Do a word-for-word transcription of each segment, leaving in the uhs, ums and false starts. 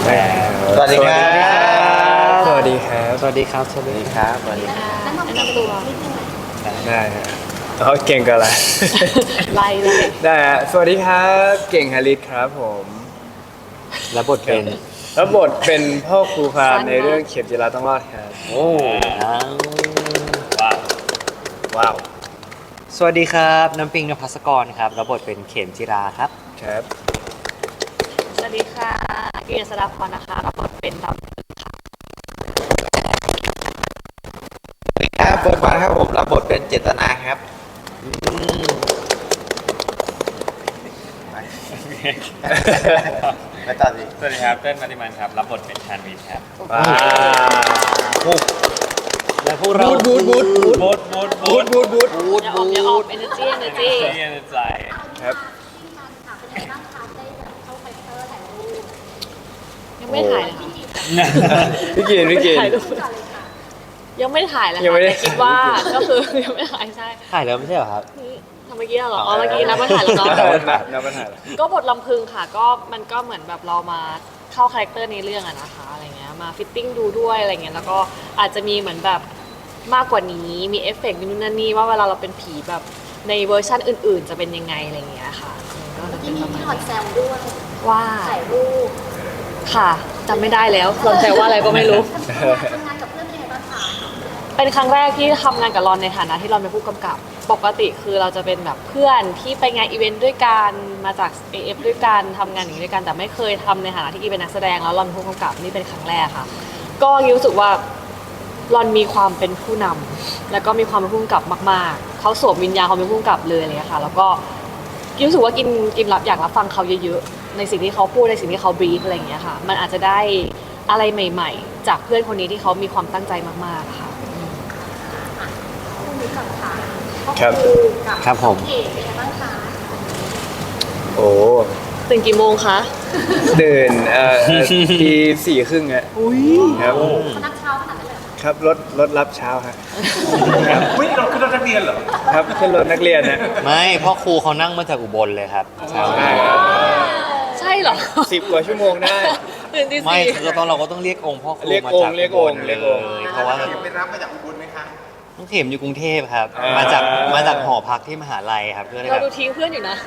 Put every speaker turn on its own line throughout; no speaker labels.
สวัสดีครับ
สวัสดีครับ
สวัสดีครับ สวัสดีครับ
สวัสดีครับ
แนะนำตัวนิดนึง
ได้ฮะเขาเก่งกันละ
ไล่เลย
ได้ฮะสวัสดีครับเก่งฮาริสครับผม
แล้วบทเป็น
แล้วบทเป็นพ่อครูพราม
สั้นมาก
ในเรื่องเข็มจิราต้องรอดครับ
โอ้ว้าว
ว้าวว้าว
สวัสดีครับน้ำปิงนภัสกรครับแล้วบทเป็นเข็มจิราครับ
ครับ
สวัสดีค่ะกิยศดาพรนะคะรับบทเป็นดำ
ครับเฟิร์สวันครับผมรับบทเป็นเจตนาครับไม่ต่อสิ
สวัสดีครับเต้นมาติมันครับรับบทเป็นชานวีครับ
ว้าว
และพวกเรา
บูดบูดบูด
บูดบูด
บู
บู
ด
ด
บูดบูด
อย่าออกอย่าออกเอเนจีเอเนจี
เรียนใจ
ครับ
ยังไม่ถ่ายเลยค่ะ
พี่กินพี่กิน
ถ่ายรูปยังไม่ถ่ายเลย
ยัง
ค่ะ
ไม่ได้
แต่คิดว่าก็คือยังไม่ถ่ายใช่
ถ่ายแล้วไม่ใช่เหรอครับ
ทำเมื่อกี้เหรออ๋อเมื่อกี้นับมาถ่ายแล้วเนาะ
นับปัญหานับปัญหา
ก็บทลำพึงค่ะก็มันก็เหมือนแบบเรามาเข้าคาแรคเตอร์ในเรื่องอะนะคะอะไรเงี้ยมาฟิตติ้งดูด้วยอะไรเงี้ยแล้วก็อาจจะมีเหมือนแบบมากกว่านี้มีเอฟเฟกต์มีนู่นนั่นนี่ว่าเวลาเราเป็นผีแบบในเวอร์ชันอื่นๆ จะเป็นยังไงอะไรเงี้ยค่ะก็จะเป็
ที่
น
มี
ประมาณ
พี่หอดแซวด้วย
ว่า
ถ่ายรูป
ค่ะจำไม่ได้แล้วรอนแซวว่าอะไรก็ไม่รู้
ทำงานกับเพื่อนเป็นไงบ้างคะ
เป็นครั้งแรกที่ทำงานกับรอนในฐานะที่รอนเป็นผู้กำกับ ปกติคือเราจะเป็นแบบเพื่อนที่ไปงานอีเวนต์ด้วยกันมาจาก เอ เอฟ ด้วยกันทำงานอย่างนี้ด้วยกันแต่ไม่เคยทำในฐานะที่อีเป็นนักแสดงแล้วรอนเป็นผู้กำกับนี่เป็นครั้งแรกค่ะ ก็รู้สึกว่ารอนมีความเป็นผู้นำแล้วก็มีความเป็นผู้กำกับมากๆเขาสวมวิญญาณความเป็นผู้กำกับเลยอะไรเลยค่ะ แล้วก็รู้สึกว่ากินกินรับอยากรับฟังเขาเยอะๆในสิ่งที่เขาพูดในสิ่งที่เขาบรีฟอะไรอย่างเงี้ยค่ะ มันอาจจะได้อะไรใหม่ ๆ จากเพื่อนคนนี้ที่เขามีความตั้งใจมากๆค่ะ
คู่นี้ก่อนค่ะ
ครับ
กับ
ครับผม
เอกเป็นไงบ้างคะ
โอ้
ตื่นกี่โมงคะ
ตื่นเอ่อทีสี่ครึ่งอะครับ
เขานับเช้าขนาดนั้นเลยเหรอ
ครับรถรถรับเช้าฮะครับ
วิ่งเราขึ้นรถนักเรียนเหรอ
ครับขึ้นรถนักเรียนนะ
ไม่เพ่อครูเขานั่งมาจากอุบลเลยครับใช่
ใช่ครับ
ใช่เหรอ
สิบกว่าชั่วโมงได้
ตื่นตี
ไม่
สี่
เราต้องเราก็ต้องเรียกองค์พ่อครู
เรียก
มา
องค์
จาก
เรียก
อุ
อบ ง
ล
ค์
เล
เรียกองค์
ยเพราะว่า
ไปรับมาจากอุบลไหมคะ
น้องเข็มอยู่กรุงเทพครับ
อ่าม
มาจากมาจากหอพักที่มหาลัยครับเพื่อที่
เรา
แบบ
ดูทิ้งเพื่อนอยู่นะ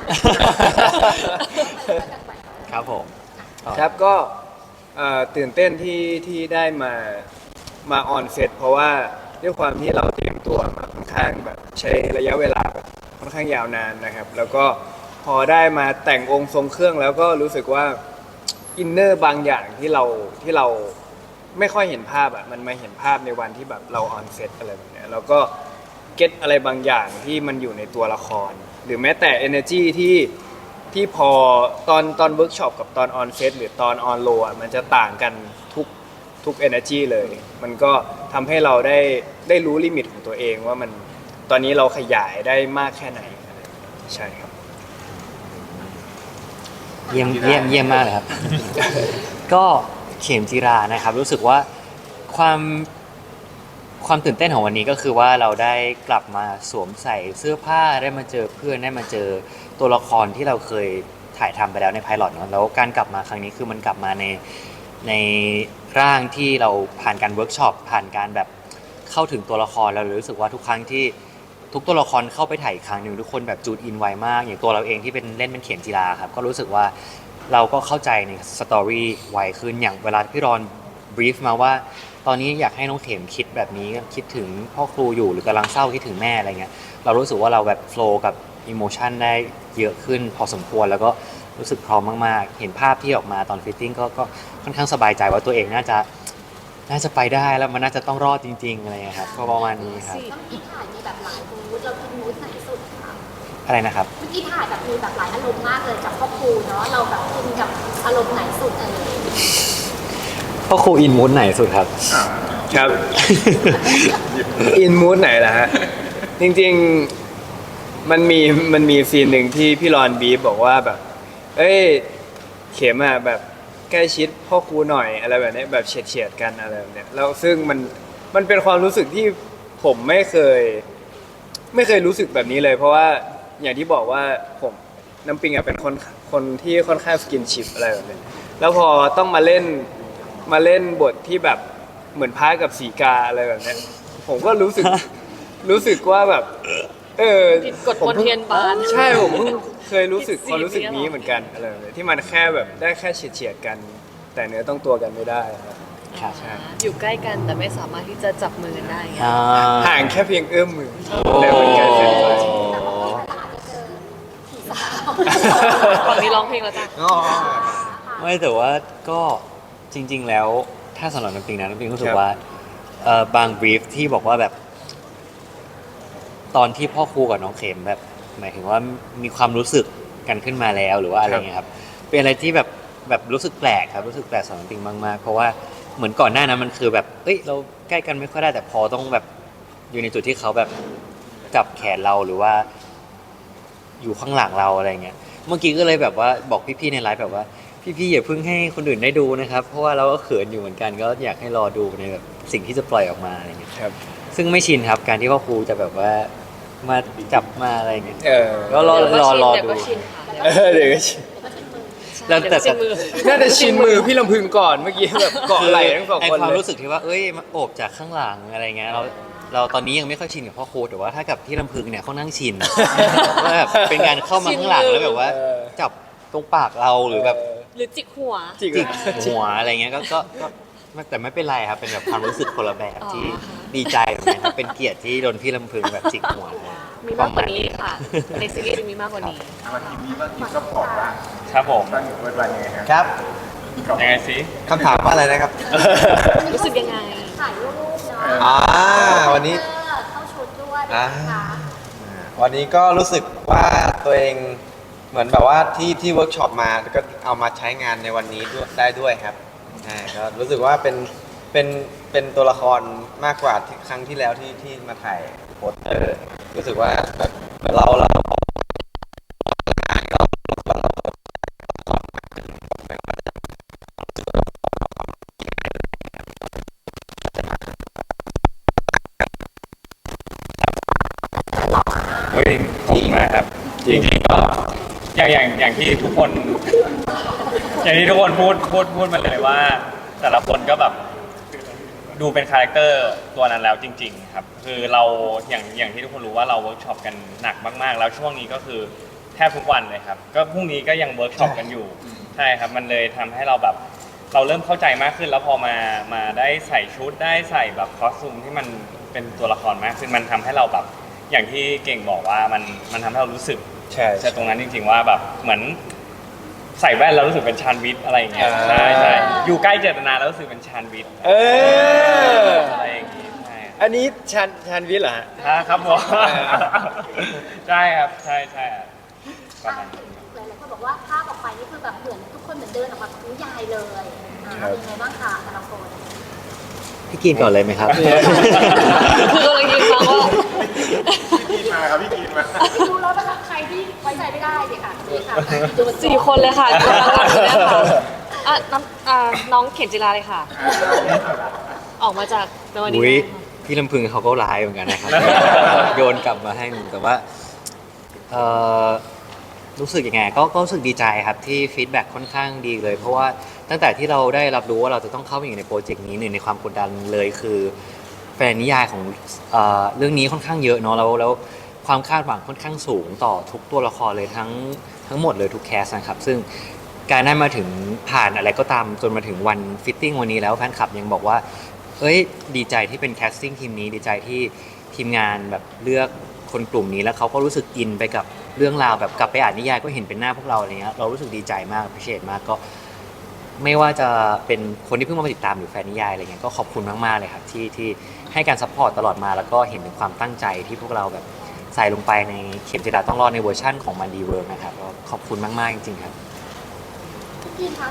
ครับผม
ครับก็เอ่อตื่นเต้นที่ที่ได้มามาออนเซตเพราะว่าด้วยความที่เราเตรียมตัวมาค่อนข้างแบบใช้ระยะเวลาแบบค่อนข้างยาวนานนะครับ แล้วก็พอได้มาแต่งองค์ทรงเครื่องแล้วก็รู้สึกว่าอินเนอร์บางอย่างที่เราที่เราไม่ค่อยเห็นภาพอ่ะมันมาเห็นภาพในวันที่แบบเราออนเซตอะไรแบบเนี้ยแล้วก็เก็ตอะไรบางอย่างที่มันอยู่ในตัวละคร หรือแม้แต่ energy ที่ที่พอตอนตอนเวิร์กช็อปกับตอนออนเซตหรือตอนออนโลอ่ะมันจะต่างกันทุกทุก energy เลย มันก็ทำให้เราได้ได้รู้ลิมิตของตัวเองว่ามันตอนนี้เราขยายได้มากแค่ไหนอะไรแบบนี้ใช่ครับ
เยี่ยมเยี่ยมเยี่ยมมากเลยครับ ก็เข็มจีรานะครับ รู้สึกว่าความความตื่นเต้นของวันนี้ก็คือว่าเราได้กลับมาสวมใส่เสื้อผ้าได้มาเจอเพื่อนได้มาเจอตัวละครที่เราเคยถ่ายทำไปแล้วในไพลอตเนาะแล้วการกลับมาครั้งนี้คือมันกลับมาในในร่างที่เราผ่านการเวิร์กช็อปผ่านการแบบเข้าถึงตัวละครเราเลยรู้สึกว่าทุกครั้งที่ทุกตัวละครเข้าไปถ่ายอีกครั้งหนึ่งทุกคนแบบจูดอินไวมากอย่างตัวเราเองที่เป็นเล่นเป็นเข็มจีราครับก็รู้สึกว่าเราก็เข้าใจในสตอรี่ไวขึ้นอย่างเวลาพี่รอนบรีฟมาว่า ตอนนี้อยากให้น้องเข็มคิดแบบนี้คิดถึงพ่อครูอยู่หรือกำลังเศร้าคิดถึงแม่อะไรเงี้ยเรารู้สึกว่าเราแบบโฟล์กับอิโมชันได้เยอะขึ้นพอสมควรแล้วก็รู้สึกพร้อมมากๆเห็นภาพที่ออกมาตอนฟิตติ้งก็ก็ค่อนข้างสบายใจว่าตัวเองน่าจะน่าจะไปได้แล้วมันน่าจะต้องรอดจริงๆอะไรเงี้ยครับก็ประมาณนี้ครับ
แล้วเมื่อกี้ถ่ายมีแบบหลายมูดเราคิดมูดไหนสุดคะ
อะไรนะครับ
เมื่อกี้ถ่ายแบบมีแบบหลายอารมณ์มากเลยกับครอบครูเนาะเราแบบอินกับอารมณ์ไหนสุดเออ
พ่อครูอินมูดไหนสุดครับ
ครับ อินมูดไหนล่ะฮะ จริงๆมันมีมันมีซีนหนึ่งที่พี่รอนบีฟบอกว่าแบบ เอ้ยเข็มอะแบบใกล้ชิดพ่อครูหน่อยอะไรแบบนี้แบบเฉียดเฉียดๆกันอะไรแบบเนี้ยแล้วซึ่งมันมันเป็นความรู้สึกที่ผมไม่เคย ไม่เคยรู้สึกแบบนี้เลย เพราะว่าอย่างที่บอกว่าผมน้ำปิงอะเป็นคนคนที่ค่อนข้างสกินชิปอะไรแบบนี้แล้วพอต้องมาเล่นมาเล่นบทที่แบบเหมือนพระกับสีกาอะไรแบบเนี้ยผมก็รู้สึก รู้สึกว่าแบบ เออ
ผิดกฎมนเทียนบาน
ใช่ผมเพิ่งเคยรู้สึก
ผิดศีล
ความรู้สึกนี้เหมือนกันอะไรแบบนี้ที่มันแค่แบบได้แค่เฉียดเฉียดๆกัน แต่เนื้อต้องตัวกันไม่ได้ครับ
ครับ
ใช่
อยู่ใกล้กันแต่ไม่สามารถที่จะจับมือกันได้ไง
อ่า
ห่างแค่เพียงเอื้อมมือแต่มันไกลเกินไป
แต่ว่าพี่แต่อาจจะเจอผีสาว
ฝั่งนี้ร้องเพลงแล้วจ้ะ
อ๋อ
ไม่แต่ว่าก็จริง ๆ แล้วถ้าสำหรับน้ำปิงนะน้ำปิงรู้สึ
ค
ก
รับ
ว่าเอ่อบางบรีฟที่บอกว่าแบบ ตอนที่พ่อครูกับน้องเข็มแบบ หมายถึงว่ามีความรู้สึกกันขึ้นมาแล้วหรือว่าอะไรเงี้ยครับเป็นอะไรที่แบบแบบรู้สึกแปลกครับรู้สึกแปลกสำหรับน้ำปิงมากๆเพราะว่าเหมือนก่อนหน้านั้นมันคือแบบเอ้ยเราใกล้กันไม่ค่อยได้แต่พอต้องแบบอยู่ในจุดที่เขาแบบจับแขนเราหรือว่า อยู่ข้างหลังเราอะไรเงี้ย เมื่อกี้ก็เลยแบบว่าบอกพี่ๆในไลฟ์แบบว่าพี่ๆอย่าเพิ่งให้คนอื่นได้ดูนะครับ เพราะว่าเราก็เขินอยู่เหมือนกัน ก็อยากให้รอดูในแบบสิ่งที่จะปล่อยออกมาอะไรเงี้ย
ครับ
ซึ่งไม่ชินครับการที่พ่อครูจะแบบว่ามาจับมาอะไรเงี้ย
เออ
ก็รอรอรอ
เดี๋ยว
ดู
ก็ชินค่ะ
เออเดี๋ยวก็ชิน
แล้วแต่
เดี๋ยวก็ชินมือ
น่าจะชินมือพี่ลำพึงก่อนเมื่อกี้แบบเกาะไหล่ทั้งสอง
ไอ
คน
ความ
เลย
รู้สึกที่ว่าเอ้ยมาโอบจากข้างหลังอะไรเงี้ยเราเราตอนนี้ยังไม่ค่อยชินกับพ่อครูแต่ว่าถ้ากับพี่ลำพึงเนี่ยเขานั่งชิน ว่าแบบเป็นการเข้ามาข้างหลังแล้วแบบว่า
เออ
จับตรงปากเราหรือแบบ
หรือจิกหัว
จิก
จิกหัวอะไรเงี้ยก็ก็ก็ไม่แต่ไม่เป็นไรครับ เป็นแบบความรู้สึกคนละแบบ
อ๋อ
ที่ดีใจแบบนี้ครับเป็นเกียรติที่โดนพี่ลำพึงแบบจิกหัวเลย
มีมากกว่านี้ค่ะ ในซีรีส์จะมีมากกว่านี้
มาทีนี้ก็ทีมก็บอกว่าครับผม
ตั้งอยู่เปิดวันยังไงครับ
ครับ
ยังไงสิ
คำถามว่าอะไรนะครับ
รู้สึกยังไง
ถ่ายรูปเนาะ
อ่าวันนี้
เออเข้าชุดด้วย
อ่า
นะคะ
วันนี้ก็รู้สึกว่าตัวเองเหมือนแบบว่าที่ที่เวิร์กช็อปมาก็เอามาใช้งานในวันนี้ด้วยได้ด้วยครับอ่าก็รู้สึกว่าเป็นเป็นเป็นตัวละครมากกว่าที่ครั้งที่แล้วที่ที่มาถ่ายโปสเตอร์รู้สึกว่าแบบเราเรา
เฮ้ยขอบคุณมากครับจริงๆก็อย่างอย่างอย่างที่ทุกคน อย่างที่ทุกคนพูดพูดพูดมาเลยว่า แต่ละคนก็แบบดูเป็นคาแรคเตอร์ตัวนั้นแล้วจริง ๆ ครับ คือเราอย่างอย่างที่ทุกคนรู้ว่าเราเวิร์กช็อปกันหนักมากๆ แล้วช่วงนี้ก็คือแทบทุกวันเลยครับ ก็พรุ่งนี้ก็ยังเวิร์กช็อปกันอยู่ใช่ครับมันเลยทำให้เราแบบเราเริ่มเข้าใจมากขึ้น แล้วพอมามาได้ใส่ชุดได้ใส่แบบคอสตูมที่มันเป็นตัวละครมากขึ้นมันทำให้เราแบบอย่างที่เก่งบอกว่ามันมันทำให้เรารู้สึก
ใช่
ใช่ตรงนั้นจริงๆว่าแบบเหมือนใส่แว่นแล้วรู้สึกเป็นชานวิทย์อะไรอย่างเงี้ย
อ่า
ใช่ใช่อยู่ใกล้เจตนาแล้วรู้สึกเป็นชานวิทย์
เออ
อะไรอย่างงี้ใช่
อันนี้ชันชันวิทย์เหรอฮะ
อ่าครับผมใช่ครับใช่ใช่ครับประมาณนั้น
หลายๆคนบอกว่าภาพออกไปนี่คือแบบเหมือนทุกคนเหมือนเดินออกมาจากนิยายเลยอ่า
ครับ
เป็นไงบ้างคะแต่ละคน
พี่กินก่อนเลยไหมครับ
คือกำลังยืนฟังว่า
พี่กินมาครับพี่กินมา
ดูแล้วนะคะใครที่ไว้ใจไม่ได้เลยค่ะนี่ค่ะดูมัน
สี่คนเลยค่ะกำลังรักอยู่เนี่ยค่ะอ่ะน้องอ่าน้องเข็มจิราเลยค่ะ ออกมาจากในวันนี้
อุ้ย
นะคะ
พี่ลำพึงเขาก็ร้ายเหมือนกันนะครับ โยนกลับมาให้หนูแต่ว่าเอ่อรู้สึกยังไงก็ก็รู้สึกดีใจครับที่ฟีดแบ็กค่อนข้างดีเลย เพราะว่าตั้งแต่ที่เราได้รับรู้ว่าเราจะต้องเข้าไปอยู่ในโปรเจกต์นี้หนึ่งในความกดดันเลยคือแฟนนิยายของเอ่อเรื่องนี้ค่อนข้างเยอะเนาะแล้วแล้วความคาดหวังค่อนข้างสูงต่อทุกตัวละครเลยทั้งทั้งหมดเลยทุกแคสนะครับซึ่งการได้มาถึงผ่านอะไรก็ตามจนมาถึงวันฟิตติ้งวันนี้แล้วแฟนคลับยังบอกว่า เอ้ยดีใจที่เป็นแคสติ้งทีมนี้ดีใจที่ทีมงานแบบเลือกคนกลุ่มนี้แล้วเขาก็รู้สึกอินไปกับเรื่องราวแบบกลับไปอ่านนิยายก็เห็นเป็นหน้าพวกเราอะไรเงี้ยเรารู้สึกดีใจมากพิเศษมากก็ ไม่ว่าจะเป็นคนที่เพิ่งมาติดตามหรือแฟนนิยายอะไรเงี้ยก็ขอบคุณมากๆเลยครับที่ที่ให้การซัพพอร์ตตลอดมาแล้วก็เห็นถึงความตั้งใจที่พวกเราแบบใส่ลงไปในเข็มจิราต้องรอดในเวอร์ชั่นของมันดีเวิร์นะครับก็ขอบคุณมากๆจริงๆครับ
พี่คะ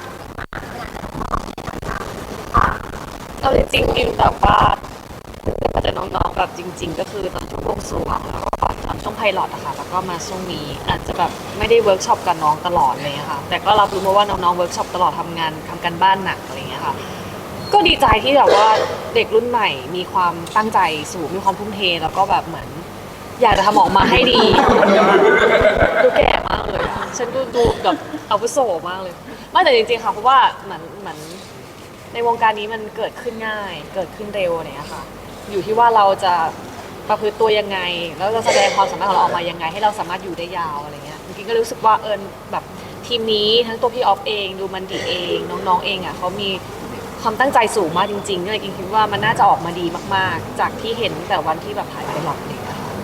เราจริงๆกินแบบว่ามาจากน้องๆแบบจริง ๆ ก็คือตอนช่วงวงสรวงแล้วก็ตอนช่วงไพลอตอะค่ะแล้วก็มาช่วงนี้อาจจะแบบไม่ได้เวิร์กช็อปกับน้องตลอดอะไรเลยค่ะแต่ก็รับรู้มาว่าน้องๆเวิร์กช็อปตลอดทำงานทำการบ้านหนักอะไรอย่างเงี้ยค่ะก็ดีใจที่แบบว่าเด็กรุ่นใหม่มีความตั้งใจสูงมีความทุ่มเทแล้วก็แบบเหมือน อยากจะทำออกมาให้ดีดูแก่มากเลยอะฉันดูดูแบบอาวุโสมากเลยไม่แต่จริงๆค่ะเพราะว่าเหมือนเหมือนในวงการนี้มันเกิดขึ้นง่าย เกิดขึ้นเร็วอะไรอย่างเงี้ยค่ะ อยู่ที่ว่าเราจะประพฤติตัวยังไง แล้วจะแสดงความสามารถของเราออกมายังไง ให้เราสามารถอยู่ได้ยาวอะไรเงี้ยจริงๆก็รู้สึกว่าเอิญแบบทีมนี้ทั้งตัวพี่ออฟเองดูมันดีเองน้องๆเองอ่ะเขามีความตั้งใจสูงมากจริงๆก็เลยคิดว่ามันน่าจะออกมาดีมากๆ จากที่เห็นตั้งแต่วันที่แบบถ่ายไปหลอกเองอะค่ะ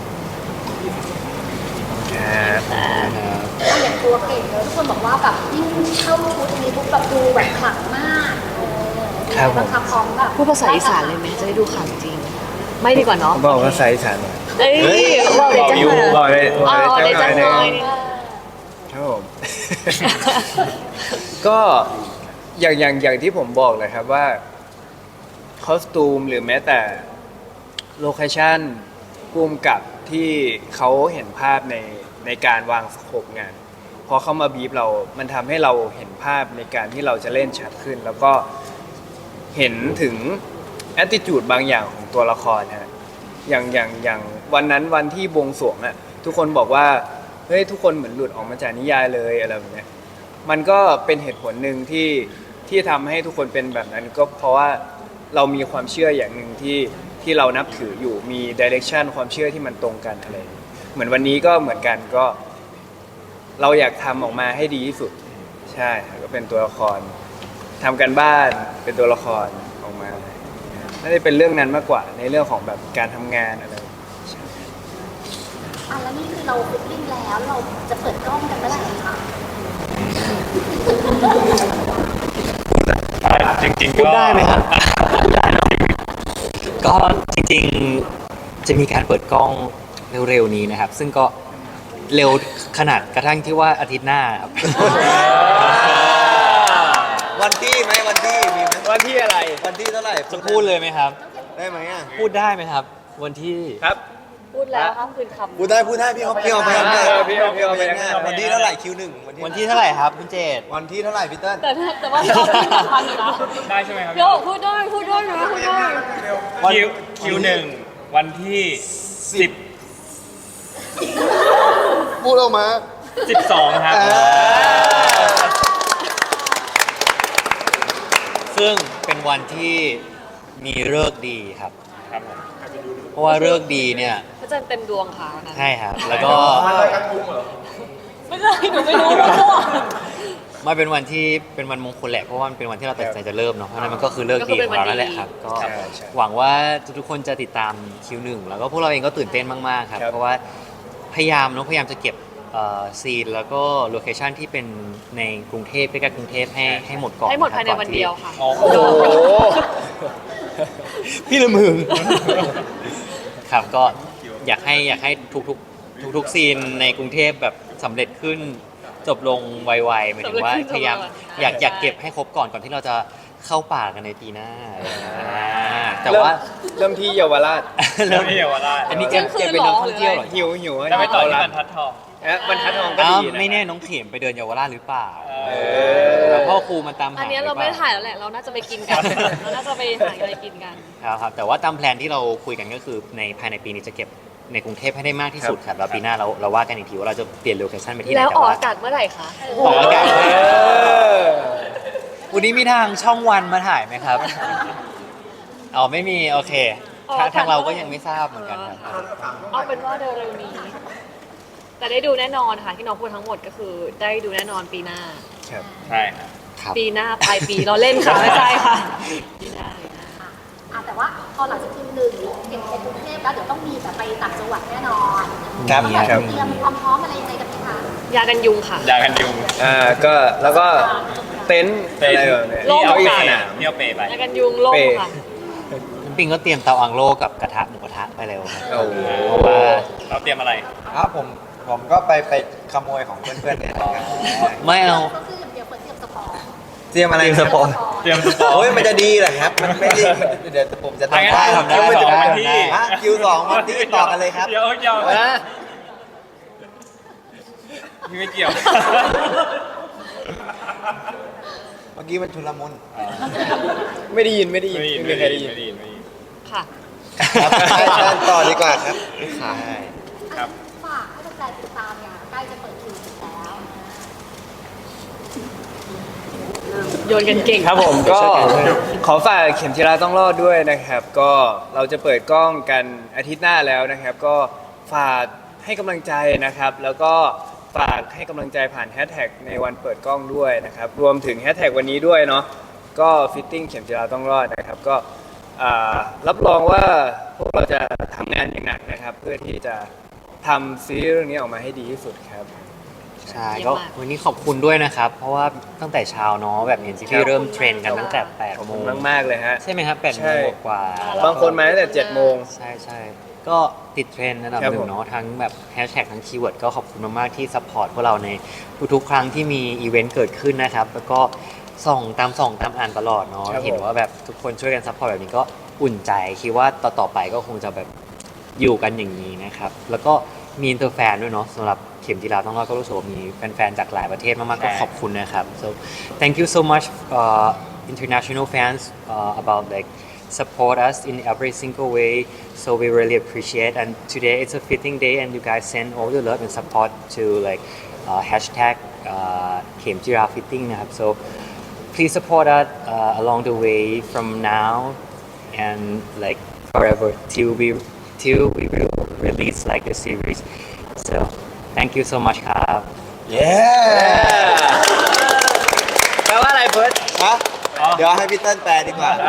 ถ้าอย่างตัวเก่งเลยทุกคนบอกว่าแบบยิ่งเข้าชุดนี้ปุ๊บแบบดูแบบขลังมากเออ
ครับผม
บังคับพร้อมแบบ
พูดภาษาอีสานเลยไหมจะได้ดูข่าวจริง ไม่ดีกว่าเนาะ
บอกภาษาอีสานหน่อย
เอ้ยบอกเลยจังเลย
บอกเลยบ
อ๋
อก
อ
เลย
เดี๋ยว
จั
จะ
งห
น้
น่
อ
อย ย
นี่
ครับผม ก็อย่างอย่างอย่างที่ผมบอกเลยครับว่าคอสตูมหรือแม้แต่โลเคชั่นภูมิกับที่เขาเห็นภาพในในการวางสโคปงานพอเขามาบีบเรา มันทำให้เราเห็นภาพในการที่เราจะเล่นชัดขึ้น แล้วก็เห็นถึง attitude บางอย่างของตัวละครฮะอย่างอย่างอย่างวันนั้นวันที่บวงสรวงอะทุกคนบอกว่าเฮ้ยทุกคนเหมือนหลุดออกมาจากนิยายเลยอะไรแบบเนี้ยมันก็เป็นเหตุผลหนึ่งที่ที่ทำให้ทุกคนเป็นแบบนั้นก็เพราะว่าเรามีความเชื่ออย่างหนึ่งที่ที่เรานับถืออยู่มีดิเรกชันความเชื่อที่มันตรงกันอะไรอย่างเงี้ยเหมือนวันนี้ก็เหมือนกันก็ เราอยากทำออกมาให้ดีที่สุดใช่ก็เป็นตัวละครทำกันบ้านเป็นตัวละครออกมาน่าจะเป็นเรื่องนั้นมากกว่าในเรื่องของแบบการทำงานอะไร
อ่ะแล้วนี่คือเราฟิตติ้งแล้วเราจะเปิดกล้องกันเมื่อไหร่คะ
จริงๆ
พูด
ก็
ได้ไหมครับ ก็จริงๆจะมีการเปิดกล้องเร็วๆนี้นะครับ ซึ่งก็เร็วขนาดกระทั่งที่ว่าอาทิตย์หน้าครับ
วันที่ไหมวันที่มีไหม
ว่าที่อะไร
วันที่เท่าไหร่
จะพูดเลยไหมครับ
ได้ไหมอ่ะ
พูดได้ไหมครับ วันที่
ครับ
พูดแล้วห้ามคืนคำ
พูดได้พูดได้พี่เขาพี่เขาไปยังไง
เออพี่เขาพี่เขาไปยังไง
วันที่เท่าไหร่คิวหนึ่ง
วันที่เท่าไหร่ครับคุณเจต
วันที่เท่าไหร่พี่เติ้ล
แต่ถ้าแต่ว่าพี่ออฟพูดทันอยู่นะ
ได้ใช่ไหมครับ
พี่ออฟพูดได้พูดได้นะพูดได้
คิวคิวหนึ่งวันที่สิบ
พูดออกมา
สิบสองครับ
ซึ่งเป็นวันที่มีฤกษ์ดีครับ
ครับผม
เพราะว่าฤกษ์ดีเนี่ย
พระจันทร์เต็มดวงค่ะวันนั้น
ใช่ครับ แล้วก็
ไม่ใช่หนูไม่รู้หนูมั่ว
มันเป็นวันที่เป็นวันมงคลแหละเพราะว่ามันเป็นวันที่เราตัดสินใจจะเริ่มเนาะเพราะฉะนั้นมันก็คือเลิกดีของเรานั่นแหละครับก็
ใช่ใช่
หวังว่าทุกๆคนจะติดตามคิวหนึ่งแล้วก็พวกเราเองก็ตื่นเต้นมากๆครับ
ครับ
เพราะว่าพยายามเนาะพยายามจะเก็บเอ่อซีนแล้วก็โลเคชันที่เป็นในกรุงเทพใกล้ๆกรุงเทพให้ให้หมดก่อน
ให้หมด
ะครับ
ภายในวันเดียวค่ะ
โอ้โห
โอ้โห
พี่ละมึง ครับก็อยากให้อยากให้ทุกๆทุกๆซีนในกรุงเทพแบบสำเร็จขึ้นจบลงไวๆหมายถึงว่า
สำเร็จขึ้น
พยายาม
จบลงไวๆ
อยาก
ใช่
อยากเก็บให้ครบก่อนก่อนที่เราจะเข้าป่ากันในปีหน้าอ่าแต่
เริ่ม
ว่า
เริ่มที่เยาวราช
เริ่มที่เยาวราช
อันนี้จะจะเป็นนักท่องเที่ยวเหรอ
หิวหิว
จะไปต่อที่
เยาว
บร
ราช
รทัดทอง
เอ๊ะบรรทัดทองก็
อ้าว
ดีนะ
ไม่แน่น้องเข็มไปเดินเยาวราชหรือเปล่า
เอ
แล้วพ่อครูมันตามหา
อันเนี้ยเราไม่ได้ถ่ายแล้วแหละ เราน่าจะไปกินกัน เราน่าจะไปหาอะไรกินกัน
ครับครับแต่ว่าตามแพลนที่เราคุยกันก็คือในภายในปีนี้จะเก็บในกรุงเทพให้ได้มากที่สุดครับแล้วปีหน้าเราเราว่ากันอีกทีว่าเราจะเปลี่ยนโลเคชั่นไปที่ไหน
แล้ว
แต่
ออก
ว่า
อากาศเมื่อไหร่คะ
ออกอากาศ
เออ
วันนี้มีทางช่องวันมาถ่ายไหมครับ อ๋อไม่มีโอเคทางทางเราก็ยังไม่ทราบเหมือนกันครับ
เอาเป็นว่าเร็วๆนี้ แต่ได้ดูแน่นอนค่ะที่น้องพูดทั้งหมดก็คือได้ดูแน่นอนปีหน้า
ครับ
ใช่ครับ
ครับ
ปีหน้าปลายปีเราเล่นค่ะไม่ใช่ค่ะปีหน้า
อ่ะแต่ว่าพอหลังจากคิวหนึ่งเก็บในกรุงเทพแล้วเดี๋ยวต้องมีแบบไปต่างจังหวัดแน่นอน
ครับ
แบบ
ครับ
เตรียมความพร้อมอะไรยังไงกันไหมคะ
ยากันยุงค่ะ
ยากันยุง
อ่าก็แล้วก็เต็นท์อะไรแบบเนี้ย
โล่ง
ที่เอา
อี
เป
กสนาม
ที่เอาเปไป
ยากันยุงโล่งค่ะ
น้ำปิงก็เตรียมเตาอังโลกับกระทะหมูกระทะไปแล้วครับ
โอ้โห
เพราะว่า
เราเตรียมอะไร
ครับผมผมก็ไปไปขโมยของเพื่อนๆเนี่ยนะครับ
ไม่เอา
ก็คืออย่างเดียวเปิดเตรียมสปอร์ต
เตรียมอะไร
เตรียมสปอร์ต
เตรียมสปอร์ต
โอ้ยมันจะดีเหรอครับ มันไม่ดีเดี๋ยวผมจะทำได้
ทำได้
คิว
ทำได้
สอง
ทำได้
ฮะคิวสองวันที่ต่อกันเลยครับ
เดี๋ยวเดี๋ยว
นะ
พี่ไม่เกี่ยว
เมื่อกี้มันชุลมุน
ไม่ได้ยินไม่ได้ยิน
ไม่ได้ยิน
ไม่
ไม่
มีใคร
ได้
ได้
ยิ
ยิ
น
น
ไม่ได้ยินไม่ได้ยิน
ค่ะ
ครับใช่ใช่ต่อดีกว่าครับ
ค่ะ
ครับ
ฝากให้แฟนๆติดตามอย่างใกล้จะเปิดคิวแล้ว
โยนกันเก่ง
ครับผมก็ขอฝากเข็มจิราต้องรอดด้วยนะครับ ก็เราจะเปิดกล้องกันอาทิตย์หน้าแล้วนะครับ ก็ฝากให้กำลังใจนะครับ แล้วก็ฝากให้กำลังใจผ่านแฮชแท็กในวันเปิดกล้องด้วยนะครับ รวมถึงแฮชแท็กวันนี้ด้วยเนาะก็ฟิตติ้งเข็มจิราต้องรอดนะครับ ก็อ่ารับรองว่าพวกเราจะทำงานอย่างหนักนะครับ เพื่อที่จะทำซีรีส์เรื่องนี้ออกมาให้ดีที่สุดครับ
ใช่
เยี่ยม
ก็
มาก
วันนี้ขอบคุณด้วยนะครับ เพราะว่าตั้งแต่เช้าเนาะแบบเห็นซีรีส์เริ่มเทรนกันตั้งแต่แปด
ขอบ
โม
คุณ
ง
มากๆเลยฮะ
ใช่ไหมครับแปด
ใช่
โมงกว่า
บางคนมาตั้งแต่เจ็ดโมง
ใช่ใช่ก็ติดเทรนด์ระดับ
ครับ
หนึ่
ผม
งเนาะทั้งแบบแฮชแท็กทั้งคีย์เวิร์ดก็ขอบคุณมากๆที่ซัพพอร์ตพวกเราในทุกๆครั้งที่มีอีเวนต์เกิดขึ้นนะครับ แล้วก็ส่องตามส่องตามอ่านตลอดเนาะเห็นว่าแบบทุกคนช่วยกันซัพพอร์ตแบบนี้ก็อุ่นใจคิดว่าต่อๆไปก็คงจะแบบอยู่กันอย่างนี้นะครับแล้วก็มีอินเตอร์แฟนด้วยเนาะสำหรับเข็มจีราต้องรอดก็รู้สึกว่ามีแฟนๆจากหลายประเทศมากๆก็ขอบคุณนะครับ so thank you so much uh, international fans uh, about like support us in every single way so we really appreciate and today it's a fitting day and you guys send all the love and support to like uh, hashtag uh, เข็มจีรา fitting นะครับ so please support us uh, along the way from now and like forever till we till we will release like the series so thank you so much ครับ
เย้
แปลว่าอะไรเพิร์ด
ฮะเดี๋ยวให้พี่เติ้ลแปลดีกว่า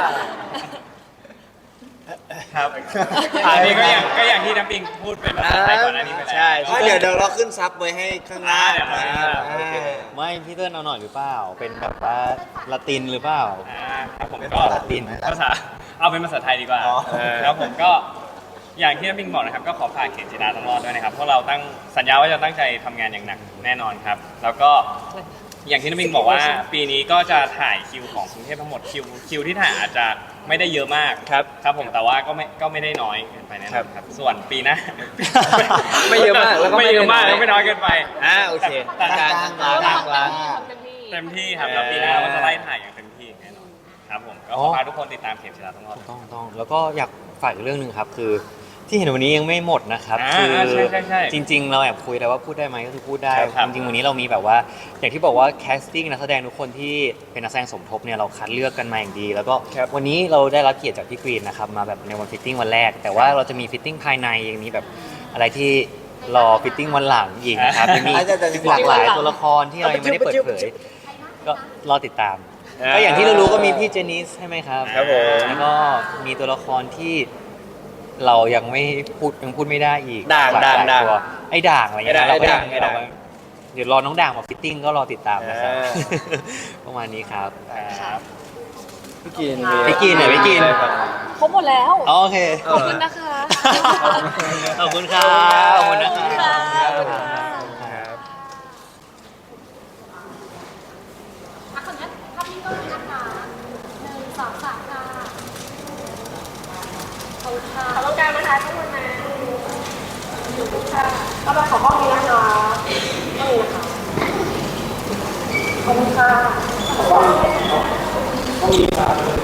ครับอันนี้ก็อย่างก็อย่างที่น้ำปิงพูดเป็นภาษาไทยก่อนอันนี้ไปแล้ว
ใช่
ไม่เดี๋ยวเดี๋ยวเราขึ้นซับไว้ให้ข้างหน้า
อ่าเดี๋ยวเราขึ้นซับ
อ่าโอเค
ไม่พี่เติ้ลเอาหน่อยหรือเปล่า เป็นแบบว่าละตินหรือเปล่า
อ่าครับผม
เป็น
ก็
ภาษาจีนไหม
ภาษาเอาเป็นภาษาไทยดีกว่า
อ๋อ
แล้วผมก็อย่างที่น้ำปิงบอกนะครับก็ขอฝากเข็มจีราต้องรอดด้วยนะครับเพราะเราตั้งสัญญาว่าจะตั้งใจทำงานอย่างหนักแน่นอนครับ แล้วก็อย่างที่น้ำปิงบอกว่าปีนี้ก็จะถ่ายคิวของกรุงเทพทั้งหมดคิวคิวที่ถ่ายอาจจะไม่ได้เยอะมาก
ครับ
ครับผมแต่ว่าก็ไม่ก็ไม่ได้น้อยเกินไปแน่นอนครับส่วนปีหน้า
ไม่เยอะมากแล้วก็ไม่
ไม่เยอะมาก
น้อย
แล้วไม่น้อยเกินไป
อ่าโอเค
แต่แต่
กลางๆ
เรา
กลาง
ทำเต็มที่ทำเต็มที่
เต็มที่ครับแล้วปีหน้าเราก็จะไล่ถ่ายอย่างเต็มที่แน่นอนครับผมก็ขอฝากทุกคนติดตามเข็มจีราต้องรอด
ต้องต้องแล้วก็อยากฝากอีกเรื่องหนึ่งครับ คือที่เห็นวันนี้ยังไม่หมดนะครับ
อ่า
คือ
ใช่ใช่ใช่
จริง ๆ เราแอบคุยแต่ว่าพูดได้ไหมก็คือพูดได้
ครับ
จริงๆวันนี้เรามีแบบว่า อย่างที่บอกว่าแคสติ้งนักแสดงทุกคนที่เป็นนักแสดงสมทบเนี่ยเราคัดเลือกกันมาอย่างดี แล้วก็
ครับ
วันนี้เราได้รับเกียรติจากพี่กรีนนะครับมาแบบในวันฟิตติ้งวันแรก แต่ว่าเราจะมีฟิตติ้งภายในยังมีแบบอะไรที่รอฟิตติ้งวันหลังอีกนะครับยังมี
อาจจะจะ
หลากหลายตัวละครที่เรายังไม่ได้เปิดเผยก็รอติดตาม ก็อย่างที่เรารู้ก็มีพี่เจนิสใช่ไหมครับ
ครับผม
แล้วก็มีตัวละครที่เรายังไม่พูดยังพูดไม่ได้อีก
ด่าง
หลย
ด่าง
หลย
ด่าง
ตัวไอ้ด่างอะไรเงี้ย
ไอ้
เราก็
ด่า
ยัง ง
ไอ้ด่าง
เราก็เดี๋ยวรอน้องด่างมาฟิตติ้งก็รอติดตามนะครับ
อ่า
ประมาณนี้ครับ
ครับ
พี่กิน
พี่กินเหรอพี่กิน
ครบหมดแล้ว
โอเค
ขอบคุณนะคะ
ขอบคุณครับขอบคุณนะค
ขอบคุณ
รั
ค่ะ
บ
ขอบคุณค่ะ
ครับ
อ่ะขออนุญาตภาพนี้ก็นะคะหนึ่งสองสามค่ะขอบคุณค่ะขอบคุณการนะคะทุกคนนะขอบคุณค่ะก็มาขอห้องนี้นะคะห้องนี้นะคะขอบคุณค่ะ